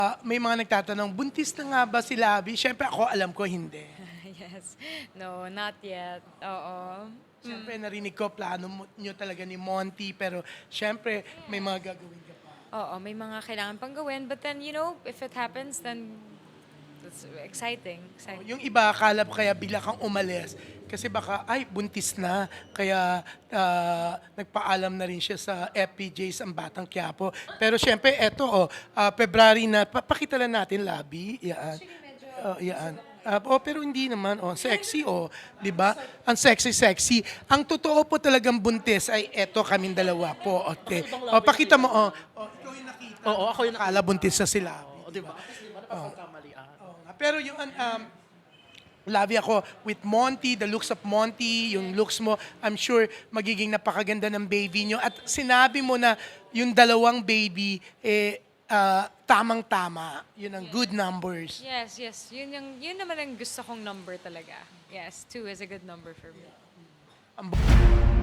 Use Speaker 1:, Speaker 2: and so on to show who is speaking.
Speaker 1: May mga nagtatanong, buntis na nga ba si Labi? Siyempre ako alam ko hindi.
Speaker 2: Yes. No, not yet. Oo.
Speaker 1: Siyempre narinig ko plano nyo talaga ni Monty, pero siyempre may mga gagawin ka pa.
Speaker 2: Oo, may mga kailangan pang gawin. But then, if it happens, then it's exciting.
Speaker 1: Yung iba, akala ko kaya bigla kang umalis. Kasi baka, ay, buntis na. Kaya nagpaalam na rin siya sa FPJs ang Batang Quiapo. Pero syempre, eto, February na. Pakita lang natin, Labi. Yan. Yan. Pero hindi naman, sexy, di ba? Ang sexy-sexy. Ang totoo po talagang buntis ay eto kaming dalawa po. Okay. Pakita mo, ikaw yung nakita.
Speaker 3: Oo, ako yung
Speaker 1: Akala buntis na sila.
Speaker 3: Oo, di ba? Kasi di ba napagkamalian?
Speaker 1: Pero yung Labi ako with Monty, the looks of Monty, yung looks mo, I'm sure magiging napakaganda ng baby nyo. At sinabi mo na yung dalawang baby, tamang-tama. Yun ang good numbers.
Speaker 2: Yes, yes. Yun naman ang gusto kong number talaga. Yes, 2 is a good number for me.
Speaker 1: Ang